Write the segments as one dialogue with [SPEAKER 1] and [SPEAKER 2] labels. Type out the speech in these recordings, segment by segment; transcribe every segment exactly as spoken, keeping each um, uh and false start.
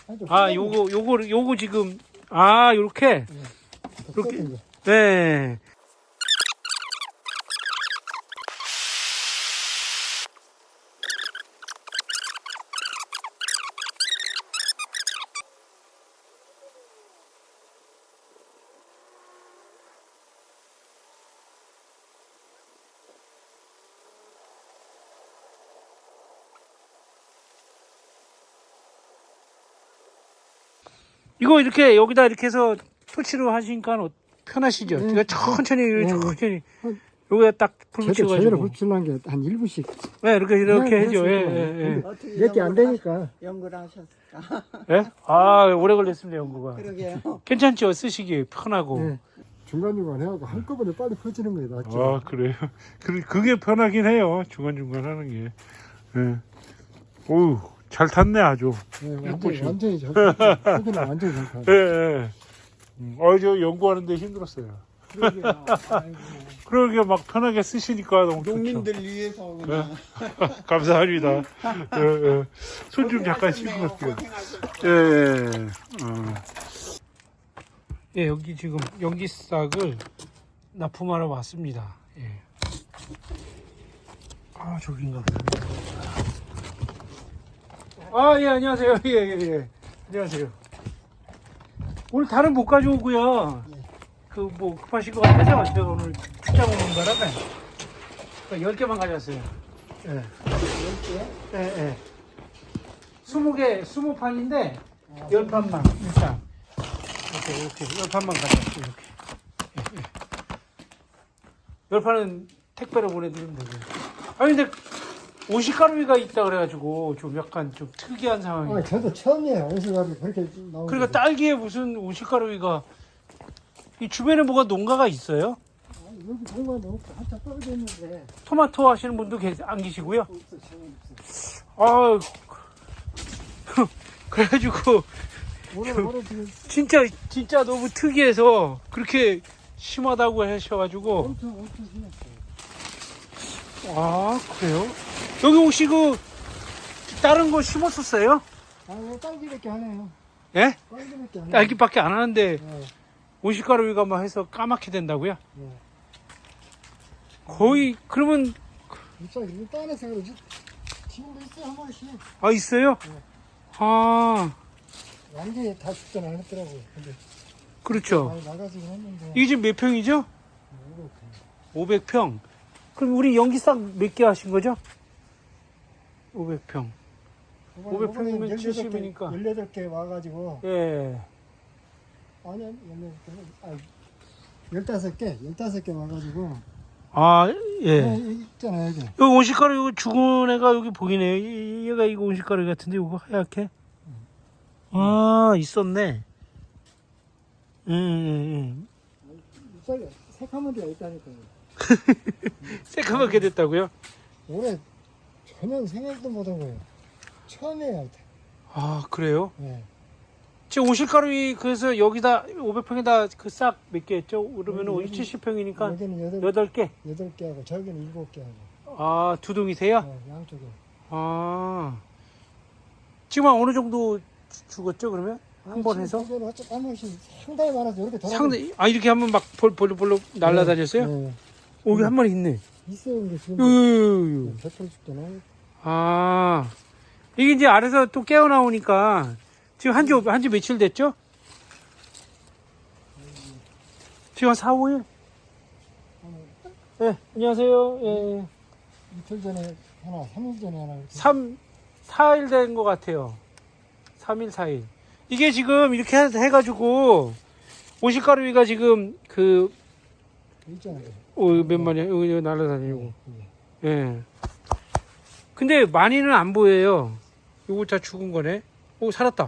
[SPEAKER 1] 아, 요거, 요거, 요거 지금, 아, 요렇게?
[SPEAKER 2] 네.
[SPEAKER 1] 이렇게. 네. 이거 이렇게 여기다 이렇게 해서 토치로 하시니까 어- 편하시죠?
[SPEAKER 2] 네,
[SPEAKER 1] 이거 천천히,
[SPEAKER 2] 네,
[SPEAKER 1] 천천히.
[SPEAKER 2] 네.
[SPEAKER 1] 여기다 딱 불
[SPEAKER 2] 제대로, 제대로
[SPEAKER 1] 붙여가지고.
[SPEAKER 2] 붙이려는 게 한 일 분씩.
[SPEAKER 1] 네, 이렇게, 이렇게
[SPEAKER 2] 네,
[SPEAKER 1] 해죠. 예,
[SPEAKER 2] 그렇습니다.
[SPEAKER 1] 예, 예.
[SPEAKER 3] 어떻게
[SPEAKER 2] 몇 개 안
[SPEAKER 3] 연구를
[SPEAKER 2] 되니까.
[SPEAKER 3] 하셨- 연구를 하셨을까?
[SPEAKER 1] 예? 아, 오래 걸렸습니다, 연구가.
[SPEAKER 3] 그러게요.
[SPEAKER 1] 괜찮죠? 쓰시기 편하고.
[SPEAKER 2] 네. 중간중간 해갖고 한꺼번에 빨리 퍼지는 거예요, 낫죠.
[SPEAKER 1] 아, 그래요? 그, 그게 편하긴 해요. 중간중간 하는 게. 예. 오우, 잘 탔네, 아주.
[SPEAKER 2] 네,
[SPEAKER 1] 예쁘시.
[SPEAKER 2] 완전히, 완전히 잘 탔어요. 완전히 완전히 잘 탔어요.
[SPEAKER 1] 예, 예. 음, 어, 저 연구하는데 힘들었어요.
[SPEAKER 3] 그러게요. 아이고.
[SPEAKER 1] 그러게 막 편하게 쓰시니까 너무 좋죠.
[SPEAKER 3] 농민들 위해서 그냥.
[SPEAKER 1] 감사합니다. 예, 예. 손 좀 잠깐 씻고 갈게요. 예, 예. 어. 예, 여기 지금 연기싹을 납품하러 왔습니다. 예. 아, 저긴가 보다. 아, 예, 안녕하세요. 예, 예, 예. 안녕하세요. 오늘 다른 못 가져오고요. 그, 뭐, 급하신 것 같아서 제가 오늘 출장 오는 바람에 열 개만 가져왔어요. 예.
[SPEAKER 3] 열 개?
[SPEAKER 1] 예, 예. 스무 개, 스무 판인데, 열 판만, 일단. 이렇게, 이렇게, 열 판만 가져왔어요, 이렇게. 예, 예. 열 판은 택배로 보내드리면 되고요. 아니, 근데, 오시가루가 있다 그래가지고, 좀 약간 좀 특이한 상황이에요.
[SPEAKER 2] 아, 저도 처음이에요. 오시가루 그렇게 나오는
[SPEAKER 1] 그러니까
[SPEAKER 2] 게.
[SPEAKER 1] 딸기에 무슨 오시가루가, 이 주변에 뭐가 농가가 있어요?
[SPEAKER 2] 아, 여기 공간도 없고 한참 떨어져 있는데.
[SPEAKER 1] 토마토 하시는 분도 계- 안 계시고요.
[SPEAKER 2] 없어, 전혀 없어.
[SPEAKER 1] 아, 그래가지고,
[SPEAKER 2] 올해, 올해 지금
[SPEAKER 1] 진짜, 진짜 너무 특이해서, 그렇게 심하다고 하셔가지고,
[SPEAKER 2] 엄청, 엄청 심했어요.
[SPEAKER 1] 아, 그래요? 여기 혹시 그, 다른 거 심었었어요?
[SPEAKER 2] 아, 이거 딸기밖에 안 해요.
[SPEAKER 1] 예?
[SPEAKER 2] 딸기밖에 안 해요.
[SPEAKER 1] 딸기밖에 안 하는데,
[SPEAKER 2] 네,
[SPEAKER 1] 온실가루가 막 해서 까맣게 된다고요?
[SPEAKER 2] 네.
[SPEAKER 1] 거의, 그러면,
[SPEAKER 2] 진짜 이거 따내서 그러지. 지금도 있어요, 한 번씩.
[SPEAKER 1] 아, 있어요?
[SPEAKER 2] 네.
[SPEAKER 1] 아,
[SPEAKER 2] 완전히 다 죽진 않았더라고요. 근데
[SPEAKER 1] 그렇죠.
[SPEAKER 2] 많이 나가지긴 했는데.
[SPEAKER 1] 이게 지금 몇 평이죠?
[SPEAKER 2] 이렇게.
[SPEAKER 1] 오백 평. 그럼 우리 연기싹 몇 개 하신 거죠? 오백 평. 오백 평이면 칠십이니까.
[SPEAKER 2] 열여덟 개 와가지고.
[SPEAKER 1] 예.
[SPEAKER 2] 아니, 열여덟 개. 아, 열다섯 개, 열다섯 개 와가지고.
[SPEAKER 1] 아, 예.
[SPEAKER 2] 네, 여기 있잖아요, 여기.
[SPEAKER 1] 여기 온실가루, 이거 죽은 애가 여기 보이네요. 이- 얘가 이거 온실가루 같은데, 이거 하얗게? 아, 있었네. 음, 음,
[SPEAKER 2] 쌀, 새카만 데가 있다니까요.
[SPEAKER 1] 음. 새까맣게 됐다고요?
[SPEAKER 2] 올해 전혀 생각도 못한 거예요. 처음이에요.
[SPEAKER 1] 아, 그래요?
[SPEAKER 2] 네.
[SPEAKER 1] 지금 온실가루, 그래서 여기다, 오백 평에다 그 싹 몇 개 했죠? 그러면
[SPEAKER 2] 여기,
[SPEAKER 1] 은 칠십 평이니까
[SPEAKER 2] 여기는 여덟,
[SPEAKER 1] 여덟 개?
[SPEAKER 2] 여덟 개 하고, 저기는 일곱 개 하고.
[SPEAKER 1] 아, 두 동이세요?
[SPEAKER 2] 네, 양쪽에.
[SPEAKER 1] 아. 지금 한 어느 정도 주- 죽었죠, 그러면? 한 번 해서?
[SPEAKER 2] 한 번씩 상당히 많아서 이렇게 돌아.
[SPEAKER 1] 상당히, 아, 이렇게 하면 막 볼, 볼로, 볼로 날아다녔어요?
[SPEAKER 2] 네.
[SPEAKER 1] 오, 여기 한 마리 있네.
[SPEAKER 2] 있어요, 근데 지금.
[SPEAKER 1] 요, 요, 요, 요.
[SPEAKER 2] 백팔 죽잖아요.
[SPEAKER 1] 아. 이게 이제 아래서 또 깨어나오니까, 지금 한 지, 한 지 며칠 됐죠? 지금 한 사, 오 일? 네, 안녕하세요. 예,
[SPEAKER 2] 이틀 전에 하나, 삼 일 전에 하나. 이렇게.
[SPEAKER 1] 삼, 사 일 된 것 같아요. 삼 일, 사 일. 이게 지금 이렇게 해- 해가지고, 오실가루위가 지금 그,
[SPEAKER 2] 있잖아요.
[SPEAKER 1] 어, 몇 마리야? 여기, 여기 날아다니고.
[SPEAKER 2] 네.
[SPEAKER 1] 예. 근데 많이는 안 보여요. 요거 다 죽은 거네. 오, 살았다.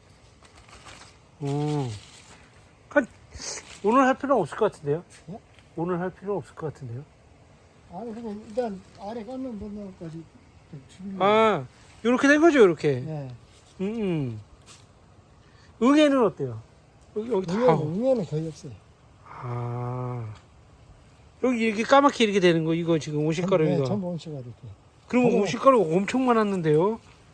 [SPEAKER 1] 오. 한, 오늘 할 필요는 없을 것 같은데요?
[SPEAKER 2] 예?
[SPEAKER 1] 오늘 할 필요는 없을 것 같은데요?
[SPEAKER 2] 아니, 그거 일단 아래 깎는 분들까지 죽이려고.
[SPEAKER 1] 아, 요렇게 된 거죠, 요렇게.
[SPEAKER 2] 네.
[SPEAKER 1] 음, 음. 응애는 어때요? 여기, 여기 다.
[SPEAKER 2] 응애는, 응애는 거의 없어요.
[SPEAKER 1] 아. 여기 이렇게 까맣게 이렇게 되는 거, 이거 지금
[SPEAKER 2] 네,
[SPEAKER 1] 오실가루가.
[SPEAKER 2] 전부 온실가 이렇게.
[SPEAKER 1] 그러면
[SPEAKER 2] 전부-
[SPEAKER 1] 오실가루가 엄청 많았는데요?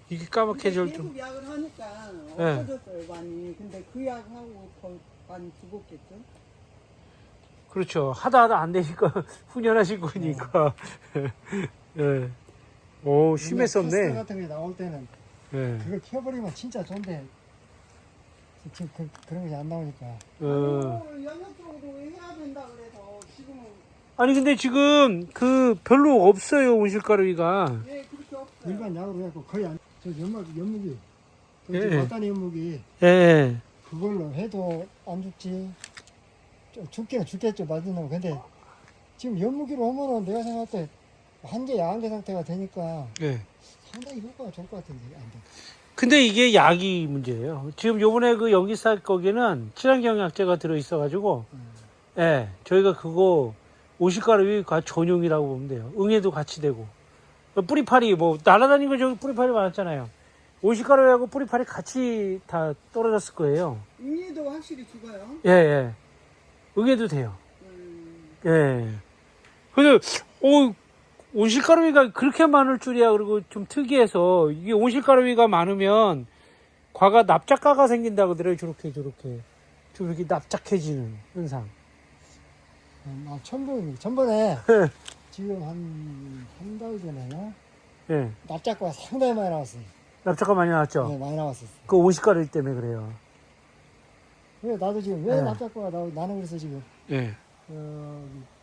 [SPEAKER 1] 이게 까맣게 절 좀.
[SPEAKER 3] 계속 약을 하니까
[SPEAKER 1] 예.
[SPEAKER 3] 없어졌어요 많이. 근데 그 약하고 더 많이 죽었겠죠?
[SPEAKER 1] 그렇죠. 하다 하다 안 되니까 훈련하신 거니까. 예. 오,
[SPEAKER 2] 카스터
[SPEAKER 1] 심했었네.
[SPEAKER 2] 같은 게 나올 때는
[SPEAKER 1] 예.
[SPEAKER 2] 그걸 켜버리면 진짜 좋은데 지금 그, 그런 것이 안 나오니까.
[SPEAKER 1] 어.
[SPEAKER 3] 아니, 영역 쪽으로 해야 된다 그래서 지금은
[SPEAKER 1] 아니 근데 지금 그 별로 없어요 온실가루기가.
[SPEAKER 3] 예 그렇게 없어요.
[SPEAKER 2] 일반 약으로 해갖고 거의 안, 저 연막, 연무기,
[SPEAKER 1] 예.
[SPEAKER 2] 맞다니 연무기,
[SPEAKER 1] 예.
[SPEAKER 2] 그걸로 해도 안 죽지. 좀 죽기는 죽겠죠, 맞은 놈. 근데 지금 연무기로 하면은 내가 생각할 때 한개 야한개 상태가 되니까
[SPEAKER 1] 예.
[SPEAKER 2] 상당히 효과가 좋을 것 같은데, 안 돼.
[SPEAKER 1] 근데 이게 약이 문제예요. 지금 요번에 그 연기사 거기는 친환경약제가 들어있어가지고,
[SPEAKER 2] 음.
[SPEAKER 1] 예, 저희가 그거 온실가루가 전용이라고 보면 돼요. 응애도 같이 되고. 뿌리파리, 뭐, 날아다니는 거 저기 뿌리파리 많았잖아요. 온실가루하고 뿌리파리 같이 다 떨어졌을 거예요.
[SPEAKER 3] 응애도 확실히 죽어요.
[SPEAKER 1] 예, 예. 응애도 돼요.
[SPEAKER 3] 음,
[SPEAKER 1] 예. 근데, 오, 온실가루가 그렇게 많을 줄이야. 그리고 좀 특이해서, 이게 온실가루가 많으면, 과가 납작가가 생긴다고 그러더라고요. 저렇게, 저렇게. 좀 이렇게 납작해지는 현상.
[SPEAKER 2] 음, 아, 천분, 전번에
[SPEAKER 1] 예.
[SPEAKER 2] 지금 한, 한 달 전에나
[SPEAKER 1] 예.
[SPEAKER 2] 납작과 상당히 많이 나왔어요.
[SPEAKER 1] 납작가 많이 나왔죠?
[SPEAKER 2] 네, 많이 나왔었어.
[SPEAKER 1] 그 온실가루 때문에 그래요.
[SPEAKER 2] 왜 나도 지금 왜
[SPEAKER 1] 네.
[SPEAKER 2] 납작과가 나, 나는 그래서 지금
[SPEAKER 1] 예.
[SPEAKER 2] 어,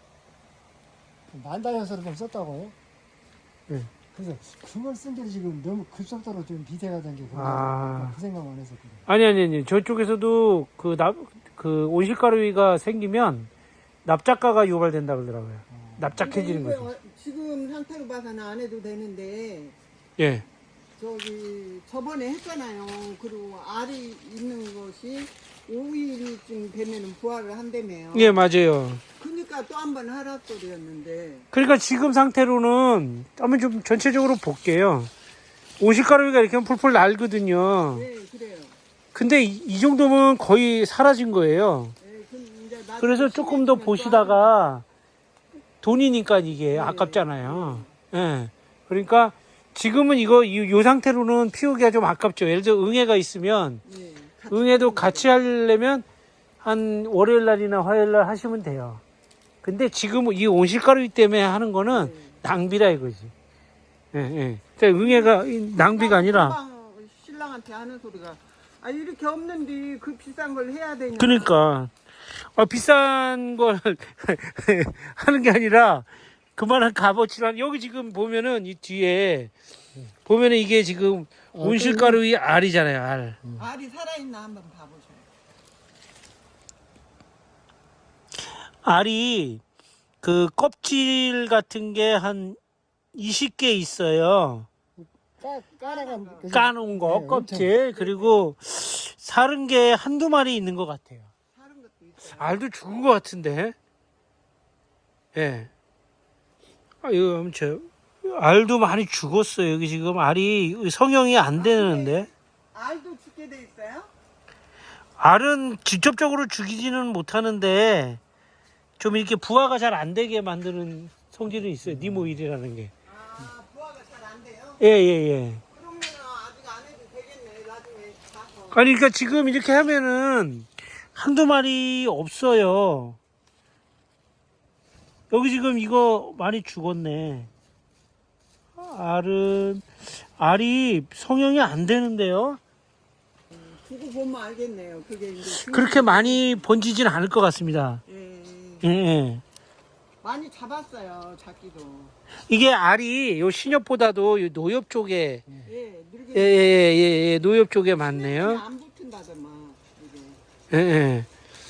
[SPEAKER 2] 만다이어서를 좀 썼다고요.
[SPEAKER 1] 예.
[SPEAKER 2] 그래서 그걸 쓴 게 지금 너무 급속도로 좀 비대가 된 게
[SPEAKER 1] 아.
[SPEAKER 2] 그 생각만 했었거든.
[SPEAKER 1] 아니, 아니, 아니. 저쪽에서도 그 납, 그 온실가루가 생기면 납작가가 유발된다 그러더라고요. 납작해지는
[SPEAKER 3] 근데
[SPEAKER 1] 거죠.
[SPEAKER 3] 이거 지금 상태로 봐서는 안 해도 되는데
[SPEAKER 1] 예.
[SPEAKER 3] 저기 저번에 했잖아요. 그리고 알이 있는 것이 오 일쯤 되면은 부활을 한다며요.
[SPEAKER 1] 예, 맞아요.
[SPEAKER 3] 그러니까 또 한 번 하라 소리였는데
[SPEAKER 1] 그러니까 지금 상태로는 한번 좀 전체적으로 볼게요. 온실가루가 이렇게 하면 풀풀 날거든요.
[SPEAKER 3] 네 그래요.
[SPEAKER 1] 근데 이, 이 정도면 거의 사라진 거예요.
[SPEAKER 3] 네, 그럼 이제 나중에
[SPEAKER 1] 그래서 조금 더
[SPEAKER 3] 심해지면 또
[SPEAKER 1] 보시다가 돈이니까 이게
[SPEAKER 3] 네.
[SPEAKER 1] 아깝잖아요. 예. 그러니까 지금은 이거 이, 요 상태로는 피우기가 좀 아깝죠. 예를 들어 응애가 있으면
[SPEAKER 3] 하면- 네, 같이
[SPEAKER 1] 응애도
[SPEAKER 3] 하는
[SPEAKER 1] 같이 하려면 한 월요일 날이나 화요일 날 하시면 돼요. 근데 지금 이 온실가루 때문에 하는 거는
[SPEAKER 3] 네.
[SPEAKER 1] 낭비라 이거지. 예, 예. 그러니까 응애가 이 낭비가 아니라
[SPEAKER 3] 금방 신랑한테 하는 소리가 아 이렇게 없는데 그 비싼 걸 해야 되냐.
[SPEAKER 1] 그러니까 아, 비싼 걸 하는 게 아니라 그만한 값어치란 여기 지금 보면은 이 뒤에 보면은 이게 지금
[SPEAKER 2] 어,
[SPEAKER 1] 온실가루의 알이잖아요. 알.
[SPEAKER 3] 알이 살아있나 한번 봐보세요.
[SPEAKER 1] 알이 그 껍질 같은 게 한 이십 개 있어요.
[SPEAKER 2] 까, 까라간 그
[SPEAKER 1] 까놓은 거
[SPEAKER 2] 네,
[SPEAKER 1] 껍질 그리고 사른 게 한두 마리 있는 것 같아요.
[SPEAKER 3] 다른 것도 있어요.
[SPEAKER 1] 알도 죽은 것 같은데. 예. 아, 이거 엄청 알도 많이 죽었어요. 여기 지금 알이 성형이 안 되는데.
[SPEAKER 3] 알도 죽게 돼 있어요?
[SPEAKER 1] 알은 직접적으로 죽이지는 못하는데 좀 이렇게 부화가 잘 안 되게 만드는 성질은 있어요. 니모일이라는 게.
[SPEAKER 3] 아 부화가 잘 안 돼요?
[SPEAKER 1] 예, 예, 예.
[SPEAKER 3] 그러면 아직 안 해도 되겠네. 나중에 가서.
[SPEAKER 1] 아니, 그러니까 지금 이렇게 하면은 한두 마리 없어요. 여기 지금 이거 많이 죽었네. 알은, 알이 성형이 안 되는데요.
[SPEAKER 3] 두고 보면 알겠네요. 그게 이제
[SPEAKER 1] 그렇게 많이 번지진 않을 것 같습니다.
[SPEAKER 3] 예,
[SPEAKER 1] 예, 예.
[SPEAKER 3] 많이 잡았어요. 잡기도.
[SPEAKER 1] 이게 알이 요 신엽보다도 요 노엽 쪽에,
[SPEAKER 3] 예, 늙은
[SPEAKER 1] 예, 예, 예, 예, 노엽 쪽에 많네요.
[SPEAKER 3] 안 붙은다더만 이게.
[SPEAKER 1] 예, 예.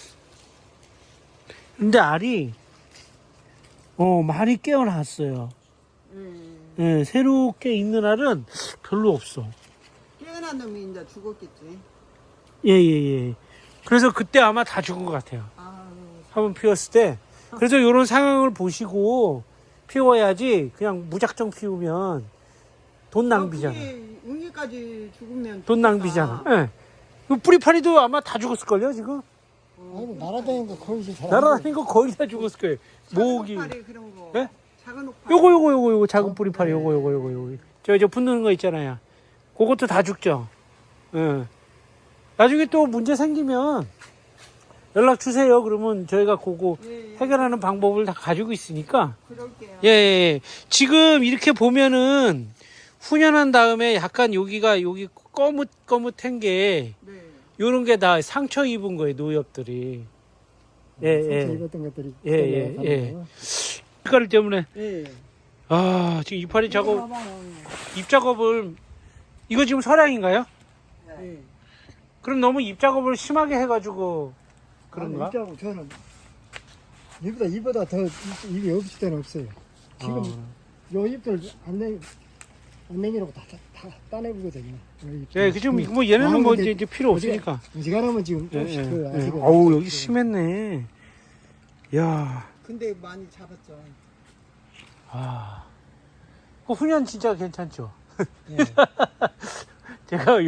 [SPEAKER 1] 근데 알이, 어, 많이 깨어났어요.
[SPEAKER 3] 음,
[SPEAKER 1] 예, 새롭게 있는 알은 별로 없어.
[SPEAKER 3] 깨어난 놈이 이제 죽었겠지.
[SPEAKER 1] 예, 예, 예. 그래서 그때 아마 다 죽은 것 같아요.
[SPEAKER 3] 아,
[SPEAKER 1] 한번 피웠을 때. 그래서 이런 상황을 보시고 피워야지 그냥 무작정 피우면 돈 낭비잖아.
[SPEAKER 3] 응애까지 죽으면
[SPEAKER 1] 돈 낭비잖아. 예. 그 뿌리파리도 아마 다 죽었을걸요, 지금?
[SPEAKER 2] 아니, 날아다니는 거 거의 잘.
[SPEAKER 1] 날아다니는 거 거의 다 죽었을 거예요. 모기.
[SPEAKER 3] 모기 그런 거.
[SPEAKER 1] 예?
[SPEAKER 3] 작은 옥파리.
[SPEAKER 1] 요거, 요거, 요거, 요거, 작은 뿌리파리, 요거, 요거, 요거, 요거. 저, 저 붙는 거 있잖아요. 그것도 다 죽죠. 예. 나중에 또 문제 생기면 연락 주세요. 그러면 저희가 그거
[SPEAKER 3] 예, 예.
[SPEAKER 1] 해결하는 방법을 다 가지고 있으니까.
[SPEAKER 3] 그럴게요.
[SPEAKER 1] 예, 예, 예. 지금 이렇게 보면은 훈연한 다음에 약간 여기가 여기 거뭇거뭇한 게
[SPEAKER 3] 네.
[SPEAKER 1] 요런 게 다 상처 입은 거예요, 노엽들이. 예,
[SPEAKER 2] 상처
[SPEAKER 1] 예.
[SPEAKER 2] 입었던 것들이
[SPEAKER 1] 예, 예,
[SPEAKER 2] 그대로
[SPEAKER 1] 예.
[SPEAKER 2] 가는 거.
[SPEAKER 1] 이깔 때문에
[SPEAKER 3] 예.
[SPEAKER 1] 아, 지금 이파리 작업
[SPEAKER 3] 봐봐요.
[SPEAKER 1] 입 작업을 이거 지금 서량인가요?
[SPEAKER 3] 예.
[SPEAKER 1] 그럼 너무 입 작업을 심하게 해 가지고 그런가?
[SPEAKER 2] 아니, 입자고 저는 이보다 이보다 더 입- 입이 없을 때는 없어요. 지금
[SPEAKER 1] 어.
[SPEAKER 2] 요 잎들 안 내, 안 내기라고 다, 다, 다 따내보거든요. 요 잎들.
[SPEAKER 1] 예, 그 지금 뭐 얘네는
[SPEAKER 2] 아,
[SPEAKER 1] 뭐
[SPEAKER 2] 근데
[SPEAKER 1] 이제, 이제 필요 없으니까.
[SPEAKER 2] 어지간하면 지금
[SPEAKER 1] 예,
[SPEAKER 2] 조금씩
[SPEAKER 1] 예,
[SPEAKER 2] 그
[SPEAKER 1] 예.
[SPEAKER 2] 아직은
[SPEAKER 1] 어우, 여기
[SPEAKER 2] 그-
[SPEAKER 1] 심했네. 야,
[SPEAKER 3] 근데 많이 잡았죠.
[SPEAKER 1] 아. 그 훈연 진짜 괜찮죠?
[SPEAKER 2] 예.
[SPEAKER 1] 제가 요-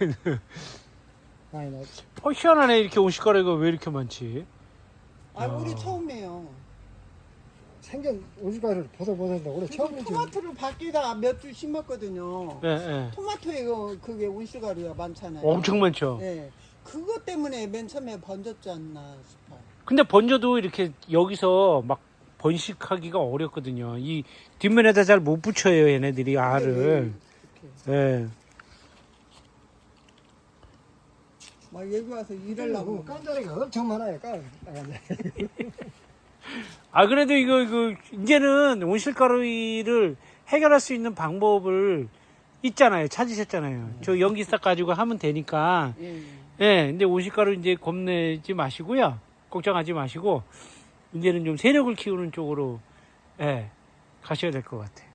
[SPEAKER 2] 아니, 나
[SPEAKER 1] 어, 희한하네. 이렇게 온실가루가 왜 이렇게 많지?
[SPEAKER 3] 아, 우리 처음이에요.
[SPEAKER 2] 생전 오죽가를 보들보들다 올해
[SPEAKER 3] 그래서
[SPEAKER 2] 처음이지.
[SPEAKER 3] 토마토를 밖에다 몇 주 심었거든요.
[SPEAKER 1] 예, 예.
[SPEAKER 3] 토마토에 그- 그게 온실가루가 많잖아요.
[SPEAKER 1] 엄청 많죠.
[SPEAKER 3] 예. 그것 때문에 맨 처음에 번졌지 않나 싶어요.
[SPEAKER 1] 근데 번져도 이렇게 여기서 막 번식하기가 어렵거든요. 이 뒷면에다 잘 못 붙여요, 얘네들이 알을. 예.
[SPEAKER 3] 막 여기 와서 일하려고.
[SPEAKER 2] 깐자리가 엄청 많아요. 깐.
[SPEAKER 1] 아, 그래도 이거, 이거, 이제는 온실가루를 해결할 수 있는 방법을 있잖아요. 찾으셨잖아요. 저 연기싹 가지고 하면 되니까.
[SPEAKER 3] 예.
[SPEAKER 1] 예, 근데 온실가루 이제 겁내지 마시고요. 걱정하지 마시고, 이제는 좀 세력을 키우는 쪽으로, 예, 가셔야 될 것 같아요.